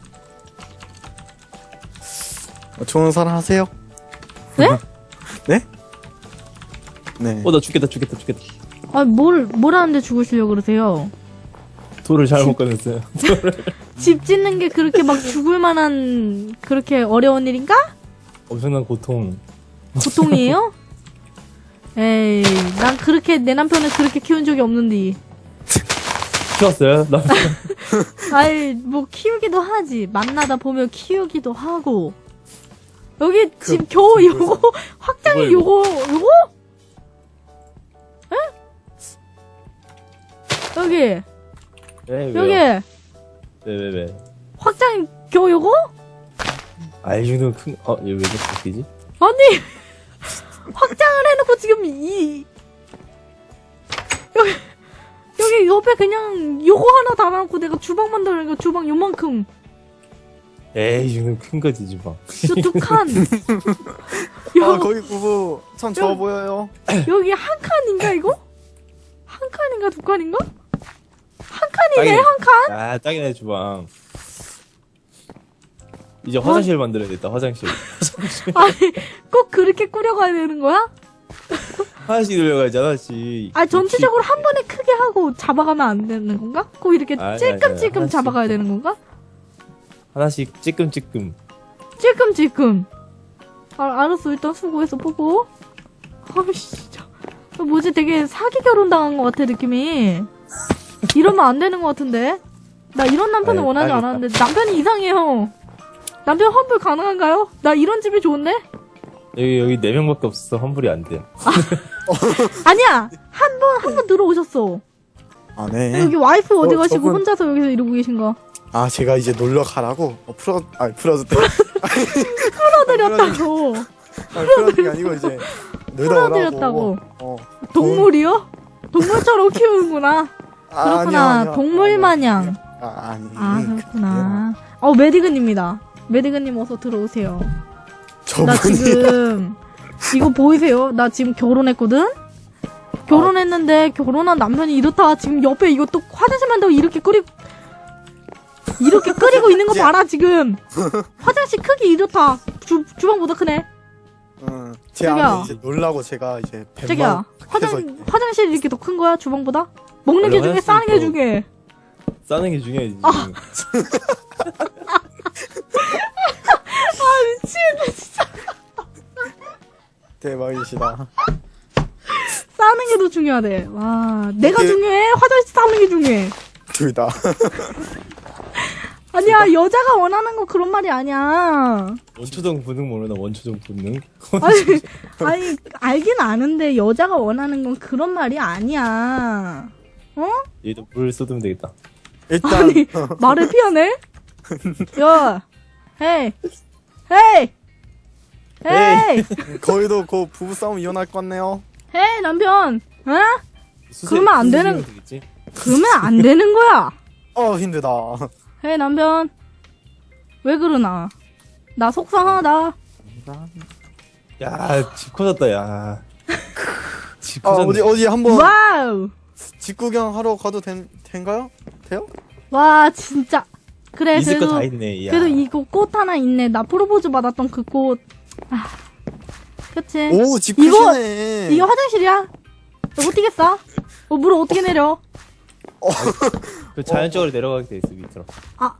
[SPEAKER 3] 어, 좋은 사람 하세요?
[SPEAKER 1] 네?
[SPEAKER 3] 네? 네.
[SPEAKER 4] 어, 나 죽겠다, 죽겠다, 죽겠다.
[SPEAKER 1] 아, 뭘, 뭘 하는데 죽으시려고 그러세요?
[SPEAKER 4] 돌을 잘못 꺼냈어요.
[SPEAKER 1] 집 짓는 게 그렇게 막 죽을 만한 그렇게 어려운 일인가?
[SPEAKER 4] 엄청난 고통.
[SPEAKER 1] 고통이에요? 에이, 난 그렇게 내 남편을 그렇게 키운 적이 없는데.
[SPEAKER 4] 키웠어요? 나
[SPEAKER 1] 아이, 뭐 키우기도 하지. 만나다 보면 키우기도 하고. 여기
[SPEAKER 3] 그,
[SPEAKER 1] 집 겨우 요거 확장이
[SPEAKER 4] 뭐야,
[SPEAKER 1] 요거 요거? 에? 여기
[SPEAKER 4] 왜, 왜요?
[SPEAKER 1] 여기
[SPEAKER 4] 왜, 왜, 왜?
[SPEAKER 1] 확장이 겨우 요거?
[SPEAKER 4] 아, 이 정도면 큰, 어, 얘 왜 이렇게 바뀌지?
[SPEAKER 1] 아니 확장을 해놓고 지금 이 여기 여기 옆에 그냥 요거 하나 달아놓고 내가 주방 만들어니까 주방 요만큼
[SPEAKER 4] 에이, 이 정도면 큰 거지, 주방.
[SPEAKER 1] 요두칸
[SPEAKER 3] 아 거기 부부 참 좋아 보여요.
[SPEAKER 1] 여기 한 칸인가 이거? 한 칸인가 두 칸인가? 한 칸이네
[SPEAKER 4] 딱이네.
[SPEAKER 1] 한 칸?
[SPEAKER 4] 아, 딱이네, 주방. 이제 화장실 만들어야겠다, 화장실.
[SPEAKER 1] 아니 꼭 그렇게 꾸려가야 되는 거야?
[SPEAKER 4] 하나씩 돌려가야지, 하나씩.
[SPEAKER 1] 아 전체적으로 한 번에 크게 하고 잡아가면 안 되는 건가? 꼭 이렇게
[SPEAKER 4] 아니,
[SPEAKER 1] 찔끔찔끔
[SPEAKER 4] 아니, 아니,
[SPEAKER 1] 잡아가야
[SPEAKER 4] 하나씩.
[SPEAKER 1] 되는 건가?
[SPEAKER 4] 하나씩 찌끔찌끔.
[SPEAKER 1] 찔끔찔끔. 아, 알았어. 일단 수고했어, 뽀뽀. 아이씨, 진짜. 어, 뭐지? 되게 사기 결혼 당한 것 같아, 느낌이. 이러면 안 되는 것 같은데? 나 이런 남편을
[SPEAKER 4] 아이,
[SPEAKER 1] 원하지
[SPEAKER 4] 알겠다.
[SPEAKER 1] 않았는데, 남편이 이상해요. 남편 환불 가능한가요? 나 이런 집이 좋은데?
[SPEAKER 4] 여기, 여기 네 명밖에 없어서 환불이 안 돼요.
[SPEAKER 1] 아니야! 한 번, 한 번 들어오셨어.
[SPEAKER 3] 아 네.
[SPEAKER 1] 여기 와이프 어디
[SPEAKER 3] 어,
[SPEAKER 1] 가시고
[SPEAKER 3] 저분-
[SPEAKER 1] 혼자서 여기서 이러고 계신가?
[SPEAKER 3] 아 제가 이제 놀러 가라고 어, 풀어 아 풀어줬대.
[SPEAKER 1] 풀어드렸다고.
[SPEAKER 3] 아니 풀어준 게 아니고 이제 놀다
[SPEAKER 1] 풀어드렸다고.
[SPEAKER 3] 오라고. 어.
[SPEAKER 1] 동물이요? 동물처럼 키우는구나.
[SPEAKER 3] 아,
[SPEAKER 1] 그렇구나.
[SPEAKER 3] 아니요, 아니요.
[SPEAKER 1] 동물
[SPEAKER 3] 아니요.
[SPEAKER 1] 마냥.
[SPEAKER 3] 아 아니.
[SPEAKER 1] 아, 그렇구나. 어, 메디근입니다. 메디근님 어서 들어오세요. 나
[SPEAKER 3] 저분이
[SPEAKER 1] 지금, 이거 보이세요? 나 지금 결혼했거든? 결혼했는데, 결혼한 남편이 이렇다. 지금 옆에 이거 또 화장실 만들고 이렇게 끓이고, 이렇게 끓이고 있는 거 봐라, 지금. 화장실 크기 이렇다. 주, 주방보다 크네.
[SPEAKER 3] 응. 제
[SPEAKER 1] 저기요.
[SPEAKER 3] 안에 이제 놀라고 제가 이제 뱀만
[SPEAKER 1] 자기야,
[SPEAKER 3] 해서
[SPEAKER 1] 화장, 화장실이 이렇게 더 큰 거야, 주방보다? 먹는 게
[SPEAKER 4] 원래
[SPEAKER 1] 중에 싸는 게
[SPEAKER 4] 화장실도-
[SPEAKER 1] 중에.
[SPEAKER 4] 싸는 게 중요하지.
[SPEAKER 1] 아.
[SPEAKER 4] 지금.
[SPEAKER 3] 대박이시다.
[SPEAKER 1] 싸는 게 더 중요하대. 와, 내가
[SPEAKER 3] 이게-
[SPEAKER 1] 중요해? 화장실 싸는 게 중요해.
[SPEAKER 3] 둘 다.
[SPEAKER 1] 아니야, 여자가 원하는 거 그런 말이 아니야.
[SPEAKER 4] 원초적 본능 모르나 원초적 본능?
[SPEAKER 1] 아니, 아니, 알긴 아는데 여자가 원하는 건 그런 말이 아니야. 어?
[SPEAKER 4] 얘도 물 쏟으면 되겠다.
[SPEAKER 3] 일단
[SPEAKER 1] 아니, 말을 피하네? 야, 헤이, 헤이, 헤이,
[SPEAKER 3] 거의도 그 부부싸움 이혼할 것 같네요.
[SPEAKER 1] 헤이, 남편, 어?
[SPEAKER 4] 수세-
[SPEAKER 1] 그러면 안 되는-
[SPEAKER 4] 수세면 되겠지?
[SPEAKER 1] 그러면 안 되는 거야.
[SPEAKER 3] 어 힘들다.
[SPEAKER 1] 헤이, 남편. 왜 그러나? 나 속상하다.
[SPEAKER 4] 야, 집 커졌다, 야. 집
[SPEAKER 3] 아
[SPEAKER 4] 커졌네.
[SPEAKER 3] 어디 어디 한번
[SPEAKER 1] 와우!
[SPEAKER 3] 집 구경 하러 가도 된 된가요? 돼요?
[SPEAKER 1] 와, 진짜. 그래,
[SPEAKER 4] 있을 거
[SPEAKER 1] 그래도,
[SPEAKER 4] 다 있네, 야.
[SPEAKER 1] 그래도 이거 꽃 하나 있네. 나 프로포즈 받았던 그 꽃. 아, 그치?
[SPEAKER 3] 오집
[SPEAKER 1] 이거-
[SPEAKER 3] 크시네.
[SPEAKER 1] 이거 화장실이야? 이거 어떻게 싸? 어, 물 어떻게 내려?
[SPEAKER 4] 그 자연적으로 내려가게 돼 있어, 밑으로.
[SPEAKER 1] 아,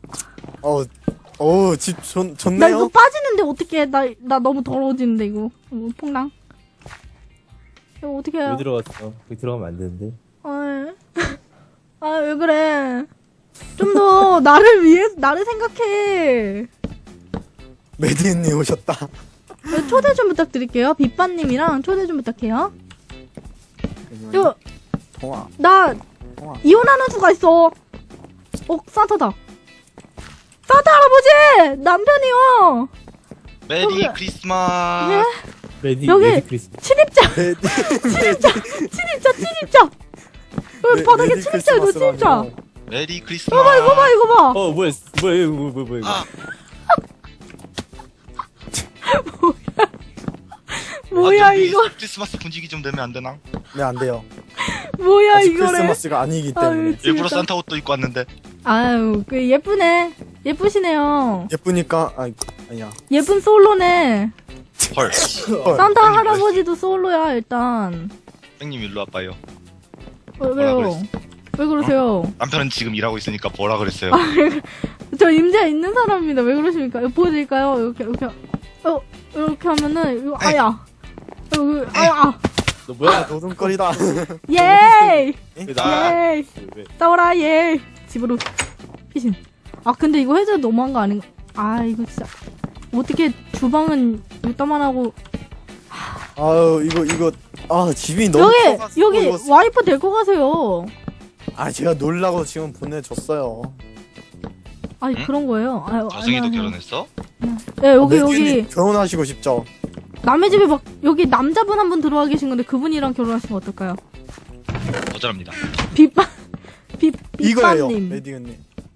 [SPEAKER 3] 어어집 좋
[SPEAKER 1] 나
[SPEAKER 3] 좋네요.
[SPEAKER 1] 이거 빠지는데 어떻게 나, 나 너무 더러워지는데, 이거. 어, 퐁당. 이거 어떻게 해요?
[SPEAKER 4] 왜 들어갔어? 거기 들어가면 안 되는데.
[SPEAKER 1] 아, 아, 왜 그래. 좀 더 나를 위해, 나를 생각해.
[SPEAKER 3] 메디님 오셨다.
[SPEAKER 1] 네, 초대 좀 부탁드릴게요. 빛바님이랑 초대 좀 부탁해요. 이거,
[SPEAKER 3] 통화
[SPEAKER 1] 나,
[SPEAKER 3] 통화.
[SPEAKER 1] 이혼하는 수가 있어. 어, 산타다. 산타 할아버지! 남편이요!
[SPEAKER 5] 메리
[SPEAKER 1] 여기-
[SPEAKER 5] 크리스마스.
[SPEAKER 1] 예?
[SPEAKER 4] 레디,
[SPEAKER 1] 여기-
[SPEAKER 4] 레디 크리스마스.
[SPEAKER 1] 침입자!
[SPEAKER 3] 메디
[SPEAKER 1] 침입자! 침입자! 여기
[SPEAKER 3] 메-
[SPEAKER 1] 바닥에
[SPEAKER 3] 메디
[SPEAKER 1] 침입자 있어, 침입자!
[SPEAKER 3] 크리스마스라뇨.
[SPEAKER 5] 메리
[SPEAKER 1] 이거
[SPEAKER 5] 크리스마스.
[SPEAKER 1] 봐, 이거 봐, 이거 봐!
[SPEAKER 4] 어, 뭐야, 뭐야, 이거, 뭐야, 뭐야, 뭐야, 이거.
[SPEAKER 5] 아,
[SPEAKER 1] 뭐야,
[SPEAKER 5] 아, 좀
[SPEAKER 1] 이거.
[SPEAKER 5] 크리스마스 분위기 좀 내면 안 되나?
[SPEAKER 3] 네, 안 돼요.
[SPEAKER 1] 뭐야,
[SPEAKER 3] 아직
[SPEAKER 1] 이거래.
[SPEAKER 3] 크리스마스가 아니기
[SPEAKER 1] 아유,
[SPEAKER 3] 때문에.
[SPEAKER 1] 진짜.
[SPEAKER 5] 일부러 산타 옷도 입고 왔는데.
[SPEAKER 1] 아유, 그 예쁘네. 예쁘시네요.
[SPEAKER 3] 예쁘니까 아 아니야.
[SPEAKER 1] 예쁜 솔로네.
[SPEAKER 5] 헐.
[SPEAKER 3] 헐.
[SPEAKER 1] 산타
[SPEAKER 5] 형님,
[SPEAKER 1] 할아버지도 솔로야, 일단.
[SPEAKER 5] 형님 일로 와봐요.
[SPEAKER 1] 어, 왜요?
[SPEAKER 5] 뭐라
[SPEAKER 1] 왜 그러세요?
[SPEAKER 5] 남편은 지금 일하고 있으니까 뭐라 그랬어요?
[SPEAKER 1] 저 임자 있는 사람입니다. 왜 그러십니까? 이거 보여드릴까요? 이렇게, 이렇게. 어, 이렇게 하면은, 이거, 아야. 이거, 아야.
[SPEAKER 4] 너 뭐야?
[SPEAKER 3] 노동거리다.
[SPEAKER 1] 예이!
[SPEAKER 4] 왜 나?
[SPEAKER 1] 예이!
[SPEAKER 4] 왜?
[SPEAKER 1] 싸워라, 예이! 집으로. 피신. 아, 근데 이거 해줘도 너무한 거 아닌가? 아, 이거 진짜. 어떻게 주방은 이따만 하고.
[SPEAKER 3] 아유 이거 이거 아 집이 너무
[SPEAKER 1] 여기,
[SPEAKER 3] 커가지고
[SPEAKER 1] 여기
[SPEAKER 3] 이거-
[SPEAKER 1] 와이프 데리고 가세요.
[SPEAKER 3] 아 제가 놀라고 지금 보내줬어요.
[SPEAKER 1] 아니,
[SPEAKER 5] 응?
[SPEAKER 1] 그런 거예요. 아유,
[SPEAKER 5] 저승이도
[SPEAKER 1] 아니야,
[SPEAKER 5] 결혼했어?
[SPEAKER 1] 네, 여기,
[SPEAKER 3] 메디님
[SPEAKER 1] 여기.
[SPEAKER 3] 결혼하시고 싶죠?
[SPEAKER 1] 남의 집에 막, 여기 남자분 한 분 들어와 계신 건데 그분이랑 결혼하시면 어떨까요?
[SPEAKER 5] 거절합니다.
[SPEAKER 1] 빗밤, 빗,
[SPEAKER 3] 이거예요,
[SPEAKER 1] 빗밤님.
[SPEAKER 3] 메디님.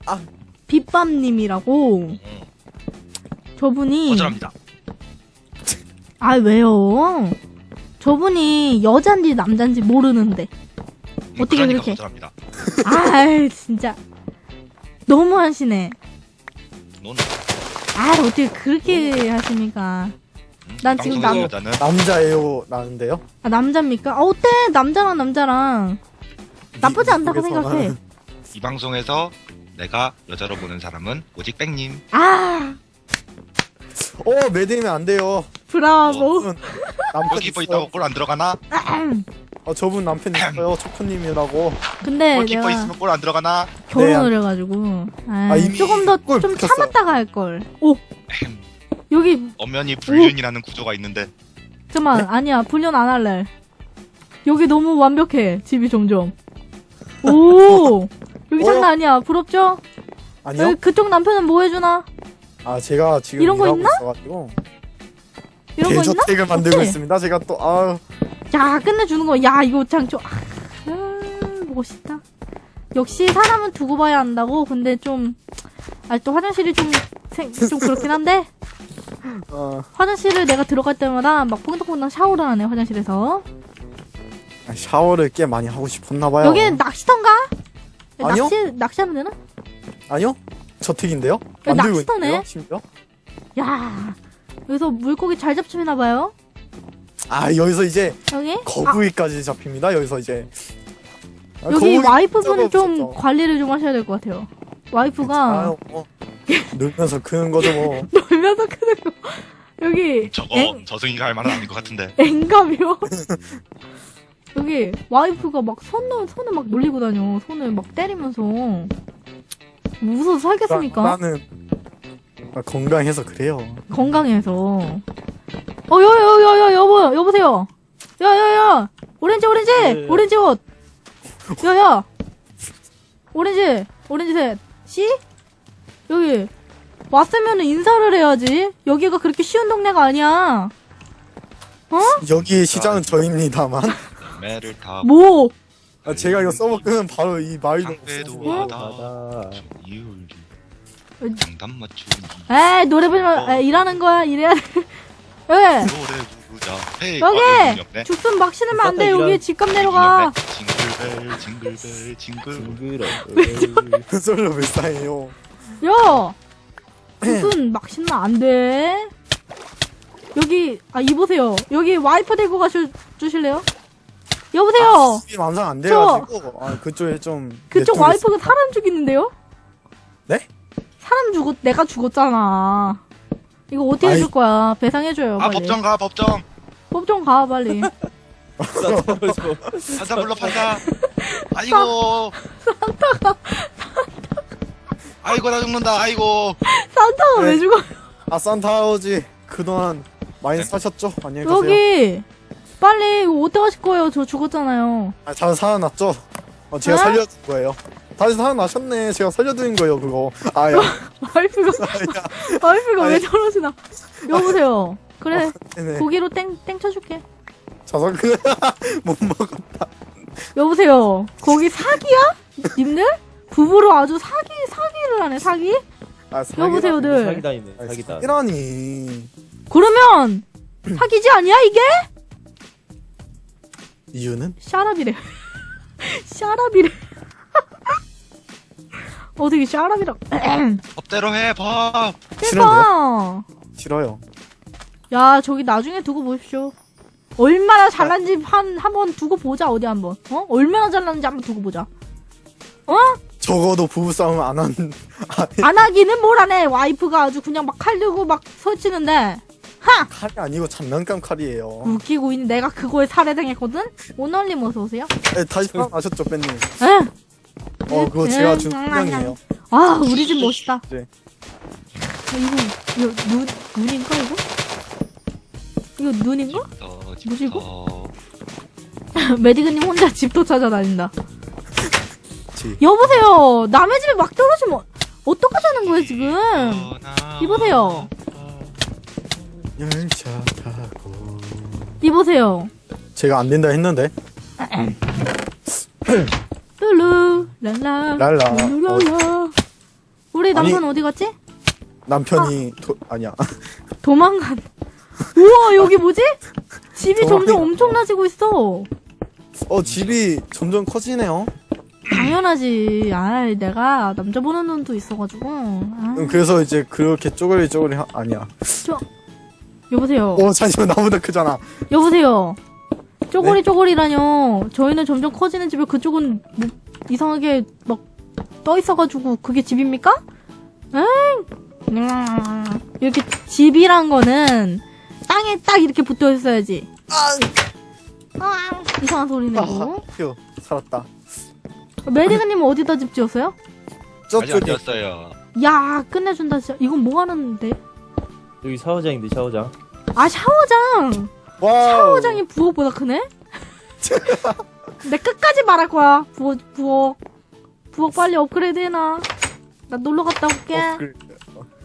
[SPEAKER 1] 빗밤님이라고.
[SPEAKER 5] 응,
[SPEAKER 1] 저분이.
[SPEAKER 5] 거절합니다.
[SPEAKER 1] 아, 왜요? 저분이 여잔지 남잔지 모르는데.
[SPEAKER 5] 응,
[SPEAKER 1] 어떻게
[SPEAKER 5] 그러니까
[SPEAKER 1] 그렇게.
[SPEAKER 5] 거절합니다.
[SPEAKER 1] 아이, 진짜. 너무 하시네.
[SPEAKER 5] 넌
[SPEAKER 1] 아, 어떻게 그렇게 하십니까?
[SPEAKER 5] 응?
[SPEAKER 1] 난 지금
[SPEAKER 5] 방송에서
[SPEAKER 1] 남-
[SPEAKER 5] 여자는
[SPEAKER 3] 남자예요, 라는데요?
[SPEAKER 1] 아, 남자입니까? 아, 어때? 남자랑 남자랑. 나쁘지 않다고
[SPEAKER 3] 미국에서는
[SPEAKER 1] 생각해.
[SPEAKER 5] 이 방송에서 내가 여자로 보는 사람은 오직 뺑님.
[SPEAKER 1] 아,
[SPEAKER 3] 어, 메디님 안 돼요.
[SPEAKER 1] 브라보.
[SPEAKER 3] 저분 남편
[SPEAKER 5] 여기 뭐
[SPEAKER 3] 있어요.
[SPEAKER 5] 있다고 골 안 들어가나?
[SPEAKER 3] 어, 저분 남편 있어요, 초코님이라고.
[SPEAKER 1] 근데
[SPEAKER 5] 골키퍼
[SPEAKER 1] 내가
[SPEAKER 5] 있으면 골 안 들어가나?
[SPEAKER 1] 결혼을 해가지고. 아,
[SPEAKER 3] 아, 이미
[SPEAKER 1] 조금 더
[SPEAKER 3] 골
[SPEAKER 1] 좀
[SPEAKER 3] 붙였어요.
[SPEAKER 1] 참았다가 할걸. 오! 여기,
[SPEAKER 5] 엄연히 불륜이라는 구조가 있는데
[SPEAKER 1] 잠깐만, 아니야. 불륜 안 할래. 여기 너무 완벽해. 집이 점점. 오! 여기
[SPEAKER 3] 어?
[SPEAKER 1] 장난 아니야. 부럽죠?
[SPEAKER 3] 아니요?
[SPEAKER 1] 여기 그쪽 남편은 뭐 해주나?
[SPEAKER 3] 아, 제가 지금
[SPEAKER 1] 이런 거
[SPEAKER 3] 일하고
[SPEAKER 1] 있나?
[SPEAKER 3] 있어가지고
[SPEAKER 1] 이런 거 있나?
[SPEAKER 3] 대저택을 만들고
[SPEAKER 1] 없지?
[SPEAKER 3] 있습니다. 제가 또 아유
[SPEAKER 1] 야, 끝내주는 거. 야, 이거 참 좀, 아, 멋있다. 역시 사람은 두고 봐야 한다고. 근데 좀, 아, 또 화장실이 좀, 생, 좀 그렇긴 한데.
[SPEAKER 3] 어,
[SPEAKER 1] 화장실을 내가 들어갈 때마다 막 퐁당퐁당 샤워를 하네, 화장실에서.
[SPEAKER 3] 아, 샤워를 꽤 많이 하고 싶었나봐요.
[SPEAKER 1] 여기는 낚시터인가?
[SPEAKER 3] 아니요.
[SPEAKER 1] 낚시, 낚시하면 되나?
[SPEAKER 3] 아니요? 저택인데요?
[SPEAKER 1] 여기
[SPEAKER 3] 만들고
[SPEAKER 1] 낚시터네.
[SPEAKER 3] 있는데요, 심지어?
[SPEAKER 1] 야, 여기서 물고기 잘 잡히나봐요.
[SPEAKER 3] 아, 여기서 이제
[SPEAKER 1] 여기? 아,
[SPEAKER 3] 거북이까지 잡힙니다. 여기서 이제 아,
[SPEAKER 1] 여기
[SPEAKER 3] 거북이
[SPEAKER 1] 와이프분은 좀
[SPEAKER 3] 없었죠.
[SPEAKER 1] 관리를 좀 하셔야 될 것 같아요. 와이프가
[SPEAKER 3] 아유, 뭐, 놀면서 크는 거죠 뭐.
[SPEAKER 1] 놀면서 크는 거. 여기
[SPEAKER 5] 저거
[SPEAKER 1] 엥,
[SPEAKER 5] 저승이가 할 말은 아닌 것 같은데.
[SPEAKER 1] 엥감이요? 여기 와이프가 막 손을 손을 막 놀리고 다녀. 손을 막 때리면서. 무서워서 살겠습니까?
[SPEAKER 3] 나, 나는 아, 건강해서 그래요.
[SPEAKER 1] 건강해서. 어, 여, 여, 여, 여, 여보, 여보세요. 야, 야, 야. 오렌지, 오렌지,
[SPEAKER 4] 네.
[SPEAKER 1] 오렌지 옷. 야, 야. 오렌지, 오렌지 셋. 씨? 여기 왔으면 인사를 해야지. 여기가 그렇게 쉬운 동네가 아니야. 어?
[SPEAKER 3] 여기 시장은 저입니다만.
[SPEAKER 5] 매를 타.
[SPEAKER 1] 뭐?
[SPEAKER 3] 아, 제가 이거 서버 끄면 바로 이 마을도
[SPEAKER 5] 상대도
[SPEAKER 3] 없어요.
[SPEAKER 5] 하다.
[SPEAKER 4] 하다.
[SPEAKER 5] 이율.
[SPEAKER 1] 어?
[SPEAKER 5] 장단 맞추기.
[SPEAKER 1] 에이, 노래 부르면, 에이, 일하는 거야, 일해야 돼. 여기,
[SPEAKER 5] 노래 부르자. 헤이. 어,
[SPEAKER 1] 여기!
[SPEAKER 5] 없네.
[SPEAKER 1] 죽순 막 신으면 안 돼.
[SPEAKER 4] 이런-
[SPEAKER 1] 여기 집값 내려가.
[SPEAKER 5] 징글벨 징글벨 징글.
[SPEAKER 4] 징그러.
[SPEAKER 3] 솔로 불쌍해요.
[SPEAKER 1] 야! 무슨 막 신으면 안 돼. 여기, 아, 이보세요. 여기 와이프 데리고 가주, 주실래요? 여보세요?
[SPEAKER 3] 집이 완성 안 돼가지고 아, 그쪽에 좀
[SPEAKER 1] 그쪽
[SPEAKER 3] 내쪽에
[SPEAKER 1] 와이프가 사람 죽이는데요?
[SPEAKER 3] 네?
[SPEAKER 1] 사람 죽었, 내가 죽었잖아. 이거 어떻게
[SPEAKER 3] 아이.
[SPEAKER 1] 해줄 거야? 배상해줘요,
[SPEAKER 5] 아
[SPEAKER 1] 빨리.
[SPEAKER 5] 법정 가 법정.
[SPEAKER 1] 법정 가, 빨리.
[SPEAKER 5] 판사 불러 판사. 아이고. 아이고 나 죽는다. 아이고.
[SPEAKER 1] 산타가
[SPEAKER 3] 네.
[SPEAKER 1] 왜 죽어?
[SPEAKER 3] 아 산타아버지 그동안 많이
[SPEAKER 5] 네.
[SPEAKER 3] 사셨죠? 안녕히 가세요.
[SPEAKER 1] 여기! 빨리, 이거 어떻게 하실 거예요? 저 죽었잖아요.
[SPEAKER 3] 아, 잘 살아났죠? 어, 제가
[SPEAKER 1] 어?
[SPEAKER 3] 살려준 거예요. 다시 살아나셨네. 제가 살려드린 거예요 그거. 아야.
[SPEAKER 1] 와이프가, 와이프가 왜
[SPEAKER 3] 아니.
[SPEAKER 1] 저러시나. 여보세요. 그래,
[SPEAKER 3] 네네.
[SPEAKER 1] 고기로 땡, 땡 쳐줄게.
[SPEAKER 3] 자석 못 먹어.
[SPEAKER 1] 여보세요. 거기 사기야? 님들? 부부로 아주 사기, 사기를 하네, 사기?
[SPEAKER 3] 아, 사기-
[SPEAKER 1] 여보세요들.
[SPEAKER 4] 사기다이네.
[SPEAKER 3] 아니,
[SPEAKER 4] 사기다.
[SPEAKER 3] 사기라니.
[SPEAKER 1] 그러면, 사기지 아니야, 이게?
[SPEAKER 3] 이유는?
[SPEAKER 1] 샤랍이래. 샤랍이래. 어떻게 샤랍이라.
[SPEAKER 5] 법대로 해 법.
[SPEAKER 1] 대박!
[SPEAKER 3] 싫어요.
[SPEAKER 1] 야, 저기 나중에 두고 보십시오. 얼마나 잘난지 한, 한번 두고 보자, 어디 한번. 어? 얼마나 잘났는지 한번 두고 보자. 어?
[SPEAKER 3] 적어도 부부싸움 안 한. 아,
[SPEAKER 1] 안 하기는 뭘 안 해. 와이프가 아주 그냥 막 칼 들고 막 설치는데. 하!
[SPEAKER 3] 칼이 아니고 장난감 칼이에요.
[SPEAKER 1] 웃기고 있는 내가 그거에 살해당했거든? 오널님 어서오세요?
[SPEAKER 3] 네, 다시 살아나셨죠, 뺀님?
[SPEAKER 1] 에?
[SPEAKER 3] 어, 그거
[SPEAKER 1] 에,
[SPEAKER 3] 제가 준
[SPEAKER 1] 장난이야.
[SPEAKER 3] 분명이에요.
[SPEAKER 1] 아, 우리 집 멋있다.
[SPEAKER 3] 네.
[SPEAKER 1] 아, 이거, 이거, 눈, 눈인가, 이거? 이거 눈인가?
[SPEAKER 5] 어,
[SPEAKER 1] 뭐지, 이거?
[SPEAKER 5] 어,
[SPEAKER 1] 메디그님 혼자 집도 찾아다닌다.
[SPEAKER 3] 지.
[SPEAKER 1] 여보세요! 남의 집에 막 떨어지면 어떡하자는 거예요, 지금?
[SPEAKER 5] 떠나.
[SPEAKER 1] 이보세요.
[SPEAKER 3] 열차 타고.
[SPEAKER 1] 이보세요.
[SPEAKER 3] 제가 안 된다 했는데.
[SPEAKER 1] 룰루, 랄라.
[SPEAKER 3] 랄라.
[SPEAKER 1] 룰루랄라. 우리 남편 어디 갔지?
[SPEAKER 3] 남편이 도, 아니야.
[SPEAKER 1] 도망간. 우와, 여기 뭐지? 집이
[SPEAKER 3] 도망가-
[SPEAKER 1] 점점 엄청나지고 있어.
[SPEAKER 3] 어, 집이 점점 커지네요.
[SPEAKER 1] 당연하지. 아이, 내가 남자 보는 눈도 있어가지고. 아,
[SPEAKER 3] 음, 그래서 이제 그렇게 쪼그리 쪼그리 하, 아니야.
[SPEAKER 1] 여보세요.
[SPEAKER 3] 어, 잠시만 나보다 크잖아.
[SPEAKER 1] 여보세요. 쪼고리
[SPEAKER 3] 네?
[SPEAKER 1] 쪼고리라뇨. 저희는 점점 커지는 집에 그쪽은 뭐 이상하게 막 떠 있어가지고 그게 집입니까? 엥? 음, 이렇게 집이란 거는 땅에 딱 이렇게 붙어 있어야지. 아, 이상한 소리 내고.
[SPEAKER 3] 아, 휴, 살았다.
[SPEAKER 1] 메디그님은 어디다 집 지었어요?
[SPEAKER 5] 아직 안
[SPEAKER 3] 저쪽에
[SPEAKER 5] 되었어요.
[SPEAKER 1] 야, 끝내준다 진짜. 이건 뭐 하는데?
[SPEAKER 4] 여기 샤워장인데 샤워장.
[SPEAKER 1] 아, 샤워장.
[SPEAKER 3] 와우.
[SPEAKER 1] 샤워장이 부엌보다 크네? 내 끝까지 말할 거야. 부엌, 부엌. 부엌 빨리 업그레이드 해놔. 나 놀러 갔다 올게.
[SPEAKER 3] 어, 그래.